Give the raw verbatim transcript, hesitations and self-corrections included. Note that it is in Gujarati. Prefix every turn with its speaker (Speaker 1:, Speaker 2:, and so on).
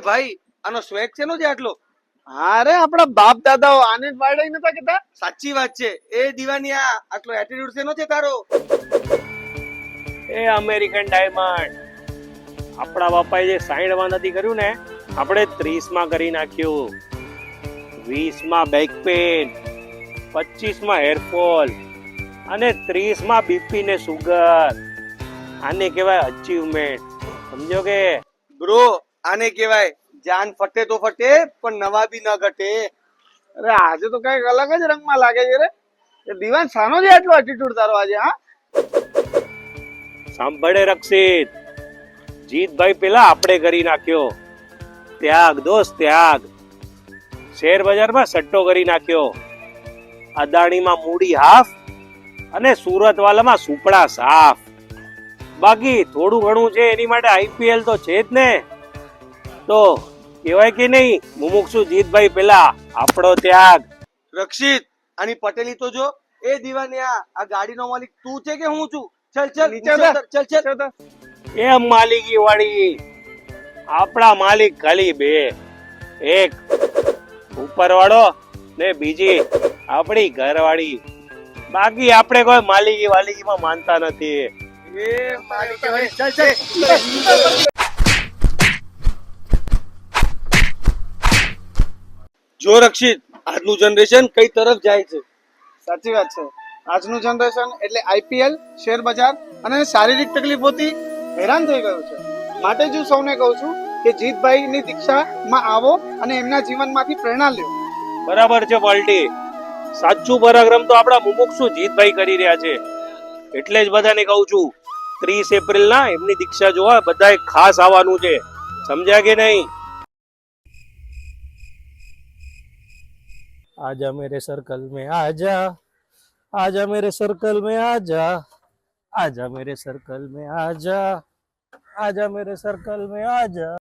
Speaker 1: ભાઈ આનો સ્વેગ છે નો છે આટલો?
Speaker 2: હા રે, આપડા બાપ દાદાઓ આને જ વાળાઈ નતા કેતા.
Speaker 1: સાચી વાત છે. એ દીવાની આ આટલો એટીટ્યુડ છે નો છે તારો?
Speaker 3: એ અમેરિકન ડાયમંડ, આપણા બાપાએ જે સાઈઠ માં નથી કર્યું ને, આપણે ત્રીસ માં કરી નાખ્યું. વીસ માં બેક પેન, પચીસ માં હેરફોલ અને ત્રીસ માં બીપી ને સુગર. આને કહેવાય અચીવમેન્ટ. સમજો કે
Speaker 1: બ્રો, આને કહેવાય જાન ફટે તો ફટે પણ નવા બી ન ઘટે.
Speaker 2: અરે આજે તો કઈક અલગ જ રંગમાં લાગે છે રે. એ દીવાન સાનો છે આટલો એટીટ્યુડ તારો આજે? હા
Speaker 3: સાંભળે રક્ષિત, જીતભાઈ પેલા આપણે કરી નાખ્યો. ત્યાગ દોસ્ત ત્યાગ. શેર બજારમાં સટ્ટો કરી નાખ્યો. અદાણીમાં મૂડી હાફ અને સુરત વાલામાં સુપડા સાફ. બાકી થોડું ઘણું છે એની માટે આઈપીએલ તો છે જ ને. તો કહેવાય કે નહીં, મુમુક્ષુ જીતભાઈ પેલા આપણો ત્યાગ.
Speaker 1: રક્ષિત, આની પટેલી તો જો. એ દીવાની આ આ ગાડીનો માલિક તું છે કે હું છું? ચલ ચલ
Speaker 2: નીચે
Speaker 1: નીચે
Speaker 2: ઉતર.
Speaker 1: ઉતર, ચલ ચલ.
Speaker 3: એ માલિકી વાળી, આપણા માલિક ખાલી બે. એક ઉપર વાળો ને બીજી આપણી ઘરવાળી. બાકી આપણે કોઈ માલિકી વાલિકીમાં માનતા નથી.
Speaker 1: એ માલિક કહેવાય. ચલ ચલ. જો રક્ષિત, આજનું જનરેશન કઈ તરફ જાય છે?
Speaker 2: સાચી વાત છે. આજનું જનરેશન એટલે આઈપીએલ, શેર બજાર અને શારીરિક તકલીફોથી હેરાન થઈ ગયું છે. માટે જ હું સૌને કહું છું કે જીતભાઈની દીક્ષામાં આવો અને એમના જીવનમાંથી પ્રેરણા લ્યો.
Speaker 3: બરાબર છે પાલટી. સાચું પરાક્રમ તો આપણા મુમુક્ષુ જીતભાઈ કરી રહ્યા છે. એટલે જ બધાને કહું છું, ત્રીસ એપ્રિલ ના એમની દીક્ષા જોવા બધાએ ખાસ આવવાનું છે. સમજ્યા કે નહીં? आजा मेरे सर्कल में आजा, आजा मेरे सर्कल में आजा, आजा मेरे सर्कल में आजा, आजा मेरे सर्कल में आजा.